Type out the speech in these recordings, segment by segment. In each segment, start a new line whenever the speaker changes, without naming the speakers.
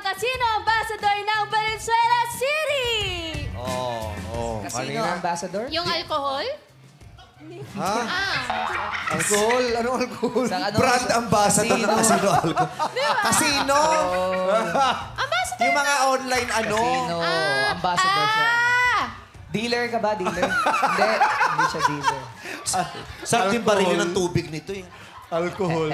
Casino Ambassador ng Valenzuela City!
Casino Ambassador?
Yung alcohol?
Ha?
Ah,
Alcohol? Anong alcohol?
Sa ano?
Brand ambassador ng Casino Alcohol. Casino!
ambassador!
Yung mga online
Casino Ambassador siya. Dealer ka ba? Dealer? Hindi siya dealer.
Sarap din barili ng tubig nito eh.
Alcohol.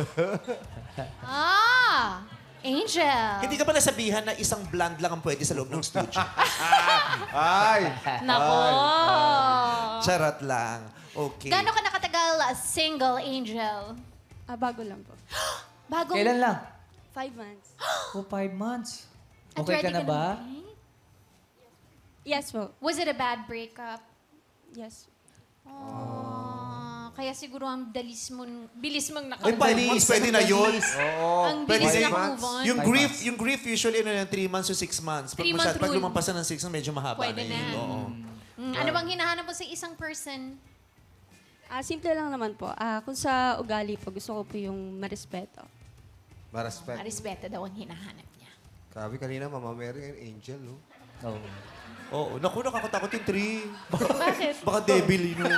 Angel.
Hindi ka ba nasabihan na isang blonde lang ang pwede sa loob ng studio?
Ay!
Nako.
Charot lang. Okay.
Gano'n ka nakatagal single, Angel?
Bago lang po.
Bagong...
Kailan lang?
5 months.
5 months.
At
Okay
ready
ka na ba?
mag-date?
Yes po.
Was it a bad breakup?
Yes.
Kaya siguro ang bilis mong
Ay, 5 months, pwede na yun.
Ang
Pwede
bilis
na
na
yun.
move on.
Yung grief usually 3 months to 6 months. Pag,
3 month
pag
rule.
lumampas na ng 6 months, medyo mahaba
Pwede
na yun.
na.
Oo.
Ano bang hinahanap mo sa isang person?
Simple lang naman po. Kung sa ugali po, gusto ko po yung marespeto.
Maraspect.
Respeto daw ang hinahanap niya.
Sabi kanina, Mama Mary and Angel, no?
Oh.
Oo. Naku, nakakatakot yung 3.
Bakit?
Baka devil yun.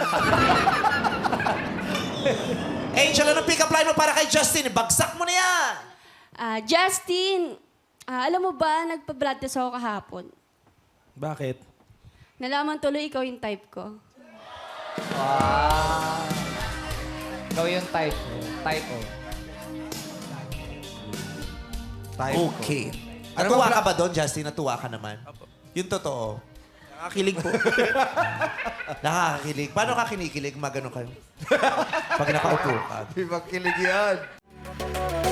Angel, anong pick-up line mo para kay Justin? Bagsak mo na yan!
Justin, alam mo ba, nagpa-blood test ako kahapon.
Bakit?
Nalaman tuloy ikaw yung type ko.
Wow. Ikaw yung type. Type O.
Okay. Natuwa ka ba doon, Justin? Natuwa ka naman? Yung totoo.
Nakakilig po.
Nakakakilig. Paano ka kinikilig? Magano kayo? Pag nakaupo ka.
Di ba kilig yan?